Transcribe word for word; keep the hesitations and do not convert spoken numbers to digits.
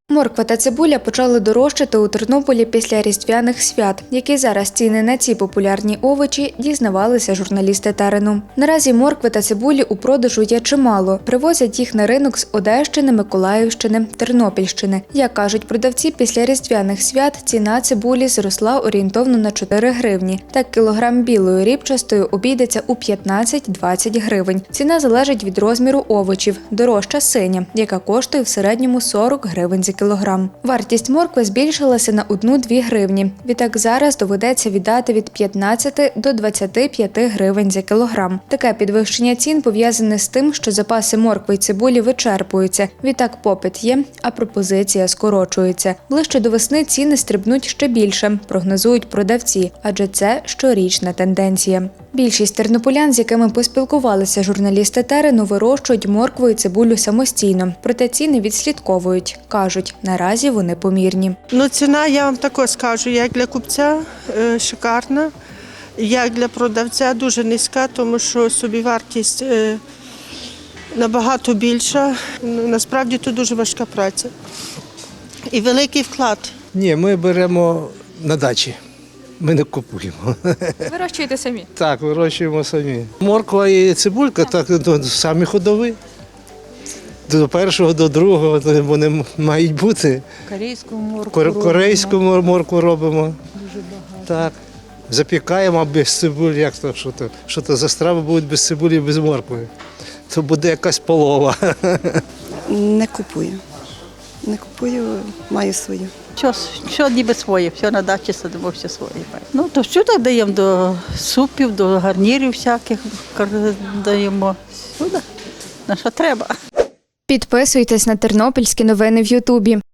Морква та цибуля почали дорожчати у Тернополі після різдвяних свят. Які зараз ціни на ці популярні овочі, дізнавалися журналісти терену. Наразі моркви та цибулі у продажу є чимало. Привозять їх на ринок з Одещини, Миколаївщини, Тернопільщини. Як кажуть продавці, після різдвяних свят ціна цибулі зросла орієнтовно на чотири гривні. Так кілограм білої рібчастої обійдеться у п'ятнадцять-двадцять гривень. Ціна залежить від розміру овочів. Дорожча синя, яка коштує в середньому сорок гривень за кілограм. Вартість моркви збільшилася на одну-дві гривні. Відтак зараз доведеться віддати від п'ятнадцяти до двадцяти п'яти гривень за кілограм. Таке підвищення цін пов'язане з тим, що запаси моркви й цибулі вичерпуються. Відтак попит є, а пропозиція скорочується. Ближче до весни ціни стрибнуть ще більше, прогнозують продавці, адже це щорічна тенденція. Більшість тернополян, з якими поспілкувалися журналісти терену, вирощують моркву і цибулю самостійно. Проте ціни відслідковують. Кажуть, наразі вони помірні. Ну, ціна, я вам також скажу, як для купця е, шикарна, як для продавця дуже низька, тому що собівартість е, набагато більша. Ну, насправді тут дуже важка праця і великий вклад. Ні, ми беремо на дачі. Ми не купуємо. Вирощуєте самі? Так, вирощуємо самі. Морква і цибулька, так, то самі ходові. До першого, до другого то вони мають бути. Корейську моркву Кор- робимо. Корейську мор- моркву робимо. Дуже багато. Так. Запікаємо без цибулі. Як то, що то, що то за страви будуть без цибулі і без моркви? То буде якась полова. Не купую. Не купую, маю свою. Що, що ніби своє, все на дачі садимо, все своє. Ну, то що так даємо до супів, до гарнірів всяких кар- даємо. Сюди, на що треба. Підписуйтесь на тернопільські новини в Ютубі.